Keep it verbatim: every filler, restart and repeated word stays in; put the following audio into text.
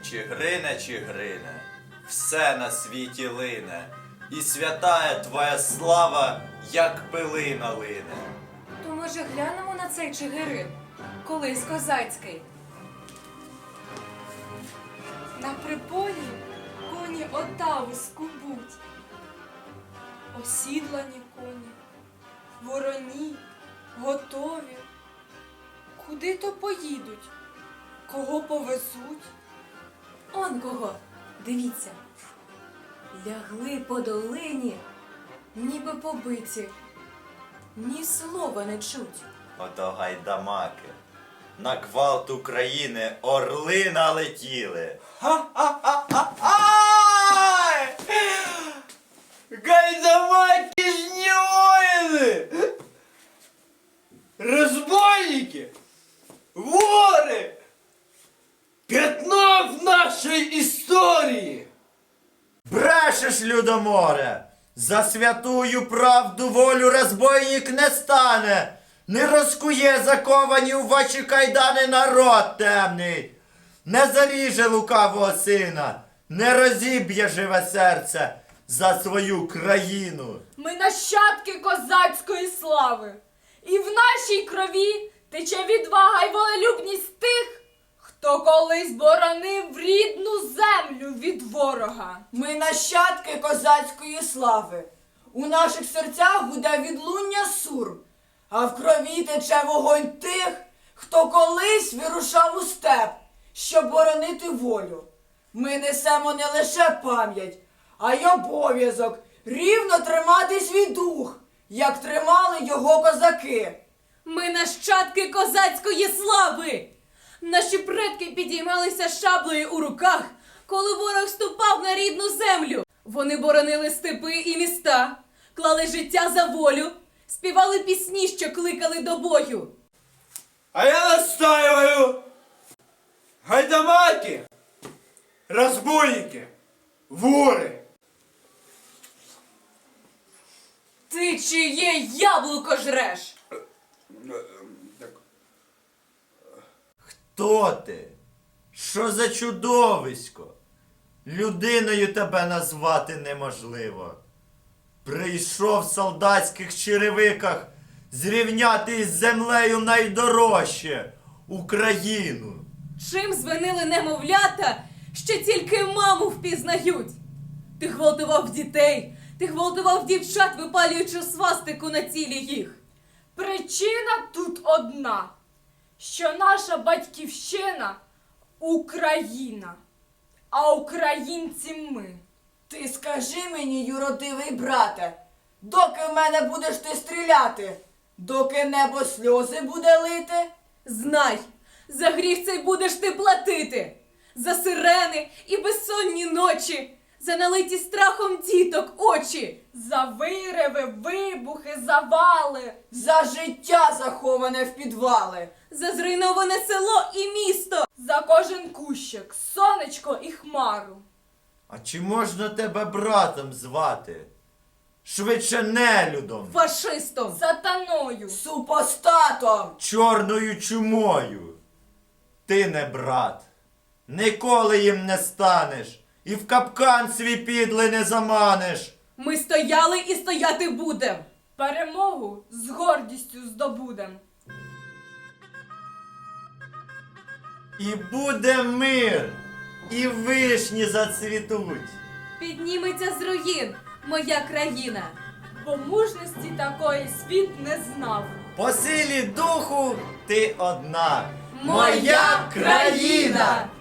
Чигирине, Чигирине, все на світі лине, і святая твоя слава, як пилина лине. То, може, глянемо на цей Чигирин, колись козацький? На приполі коні отаву скубуть, осідлані коні, вороні, готові. Куди то поїдуть? Кого повезуть? Он кого, дивіться, лягли по долині, ніби побиті, ні слова не чуть. Ото гайдамаки, на квалт України орли налетіли. Ха-ха-ха-ха-ай! Гайдамаки ж не воины! Разбойники! Воры! Пятно в нашей истории! Брешеш, Людоморе! За святую правду волю розбойник не стане! Не розкує заковані у ваші кайдани народ темний! Не заріже лукавого сина! Не розіб'є живе серце за свою країну! Ми нащадки козацької слави, і в нашій крові тече відвага й волелюбність тих, хто колись боронив рідну землю від ворога. Ми нащадки козацької слави. У наших серцях гуде відлуння сур, а в крові тече вогонь тих, хто колись вирушав у степ, щоб боронити волю. Ми несемо не лише пам'ять, а й обов'язок рівно тримати свій дух, як тримали його козаки. Ми нащадки козацької слави! Наші предки підіймалися шаблею у руках, коли ворог ступав на рідну землю. Вони боронили степи і міста, клали життя за волю, співали пісні, що кликали до бою. А я настаиваю! Гайдамаки! Разбойники! Воры! Ти чиє яблуко жреш? Хто ти? Що за чудовисько? Людиною тебе назвати неможливо. Прийшов в солдатських черевиках зрівняти із землею найдорожче – Україну. Чим звинили немовлята, що тільки маму впізнають? Ти гвалтував дітей, ти гвалтував дівчат, випалюючи свастику на тілі їх. Причина тут одна, що наша батьківщина – Україна, а українці ми. Ти скажи мені, юродивий брате, доки в мене будеш ти стріляти, доки небо сльози буде лити? Знай, за гріх цей будеш ти платити, за сирени і безсонні ночі, за налиті страхом діток очі, За вириви, вибухи, завали, За життя, заховане в підвали. за зруйноване село і місто. за кожен кущик, сонечко і хмару. А чи можна тебе братом звати? Швидше нелюдом, Фашистом. Сатаною. Супостатом! чорною чумою. Ти не брат, ніколи їм не станеш, і в капкан свій підлий не заманиш. Ми стояли і стояти будем. Перемогу з гордістю здобудем. І буде мир, і вишні зацвітуть. Підніметься з руїн моя країна. Бо мужності такої світ не знав. По силі духу ти одна. Моя країна!